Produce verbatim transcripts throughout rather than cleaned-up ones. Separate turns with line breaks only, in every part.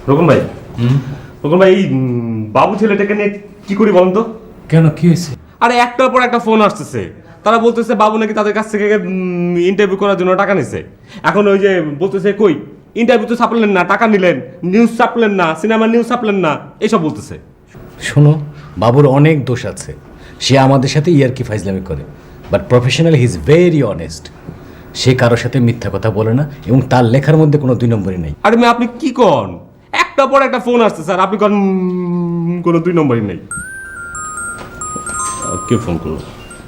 রকম ভাই, রকম ভাই, এই বাবু ছেলেটাকে নিয়ে কি করি বলেন তো?
কেন, কি হয়েছে?
আরে একটার পর একটা ফোন আসতেছে, তারা বলতেছে বাবু নাকি তাদের কাছ থেকে ইন্টারভিউ করার জন্য টাকা নিছে। এখন ওই যে বলতেছে কই ইন্টারভিউ তো ছাপলেন না, টাকা নিলেন, নিউজ ছাপলেন না, সিনেমার নিউজ ছাপলেন না, এইসব বলতেছে।
শোনো, বাবুর অনেক দোষ আছে, সে আমাদের সাথে ইয়ারকি ফাইজলামি করে, but professional he is very honest. সে কারোর সাথে মিথ্যা কথা বলে না এবং তার লেখার মধ্যে কোনো দুই নম্বরই নেই।
আরে মেয়ে আপনি কি কন? একটা পর একটা ফোন আসছে স্যার, আপনি কন উম, কোনো দুই নম্বরই নেই। আহ, কে ফোন করলো?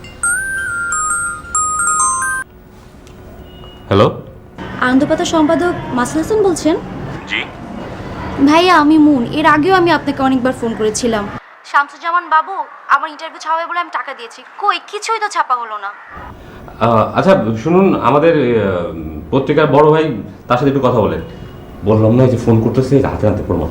হ্যালো,
আনন্দপাতা সম্পাদক মাসুদ হাসান বলছেন?
জি
ভাইয়া, আমি মুন। এর আগেও আমি আপনাকে অনেকবার ফোন করেছিলাম। শামসুজ্জামান বাবু আমার ইন্টারভিউ ছাপাবে বলে আমি টাকা দিয়েছি, কই কিছুই তো ছাপা হলো না।
আচ্ছা শুনুন, আমাদের আহ, পত্রিকার বড় ভাই, তার সাথে একটু কথা বলেন। বললাম না যে ফোন করতেছে, হাতে হাতে প্রমাণ।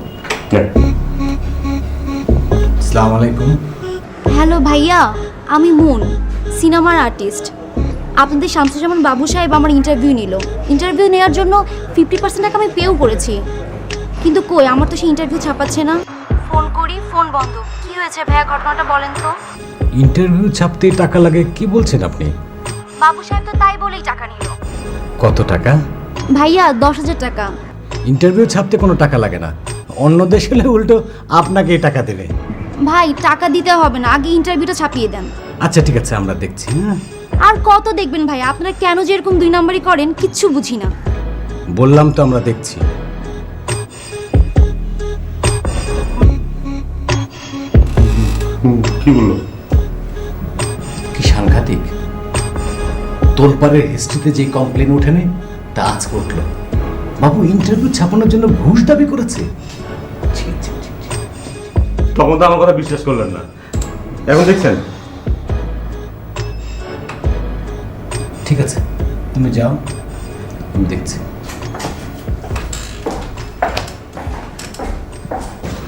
আসসালামু আলাইকুম।
হ্যালো ভাইয়া, আমি মুন, সিনেমার আর্টিস্ট। আপনাদের শামসুজ্জামান বাবু সাহেব আমার ইন্টারভিউ নিল। ইন্টারভিউ নেওয়ার জন্য ফিফটি পার্সেন্ট টাকা আমি পেও করেছি, কিন্তু কই আমার তো সেই ইন্টারভিউ ছাপাচ্ছে না। ফোন করি, ফোন বন্ধ। কি হয়েছে ভাইয়া, ঘটনাটা বলেন তো।
ইন্টারভিউ ছাপতে টাকা লাগে কি বলছেন আপনি?
বাবু সাহেব তো তাই বলেই টাকা নিল।
কত টাকা?
ভাইয়া দশ হাজার টাকা।
ইন্টারভিউ ছাপতে কোনো টাকা লাগে না, অন্য দেশ হলে উল্টো আপনাকে টাকা দেবে।
ভাই টাকা দিতে হবে না, আগে ইন্টারভিউটা ছাপিয়ে দেন।
আচ্ছা ঠিক আছে, আমরা দেখছি। হ্যাঁ,
আর কত দেখবেন ভাই, আপনারা কেন যে এরকম দুই নাম্বারই করেন কিচ্ছু বুঝি না।
বললাম তো আমরা দেখছি।
কি বললো?
কি সাংঘাতিক! তোলপাড়ের হিস্ট্রিতে যে কমপ্লেন ওঠেনি তা আজ উঠল। বাবু ইন্টারভিউ ছাপানোর জন্য ঘুষ দাবি করেছে। ছি, ছি, ছি, ছি।
তখন তো আমার কথা বিশ্বাস করলেন না, এখন দেখছেন।
ঠিক আছে, তুমি যাও, আমি দেখছি।